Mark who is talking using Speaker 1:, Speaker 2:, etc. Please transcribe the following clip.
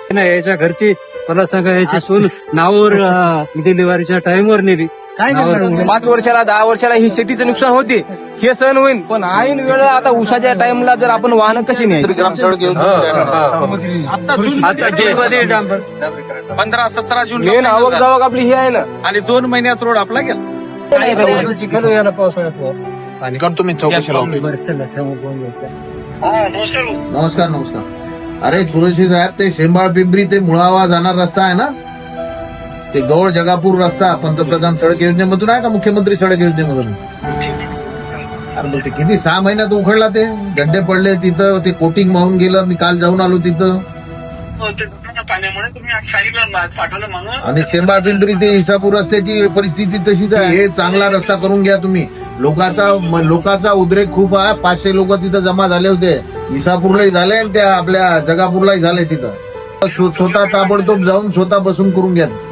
Speaker 1: नाही याच्या घरची मला सांगा याची सून नावावर डिलिव्हरीच्या टाइमवर नेली.
Speaker 2: काय
Speaker 1: नावावर-
Speaker 2: करणार?
Speaker 3: 5 वर्षाला 10 वर्षाला ही शेतीचं नुकसान होते, हे सहन होईल. पण ऐन वेळेला आता उसाच्या टाइमला जर आपण वाहनं कशी न्यायची?
Speaker 4: ग्रामसडक येऊन
Speaker 1: आता जूनमध्ये डांबर
Speaker 5: 15-17 जून
Speaker 3: मेन आवक जावक आपली ही आहे ना.
Speaker 5: आणि 2 महिन्यात रोड आपला गेला.
Speaker 1: काय करायचं? चिखल याला पावसाळ्यात पाणी.
Speaker 4: करतो मी चौकशी लावतो.
Speaker 1: बरं, चला, समोर बोलू आता.
Speaker 4: नमस्कार नमस्कार. अरे कुरेशी साहेब, ते शेंबाळ पिंपरी ते मुळावा जाणार रस्ता आहे ना, ते गौड जगापूर रस्ता पंतप्रधान सडक योजनेमधून आहे का मुख्यमंत्री सडक योजनेमधून? अरे मग ते किती 6 महिन्यात उखडला, ते गड्डे पडले तिथं, ते कोटिंग वाहून गेलं. मी काल जाऊन आलो तिथं.
Speaker 6: पाण्यामुळे तुम्ही सांगितलं पाठवलं म्हणून.
Speaker 4: आणि शेंबाळ पिंपरी ते इसापूर रस्त्याची परिस्थिती तशीच आहे. हे चांगला रस्ता करून घ्या तुम्ही. लोकांचा उद्रेक खूप आहे. 500 लोक तिथं जमा झाले होते. इसापूरलाही झाले आणि त्या आपल्या जगापूरलाही झाले. तिथं स्वतः ताबडतोब जाऊन स्वतः बसून करून घ्या.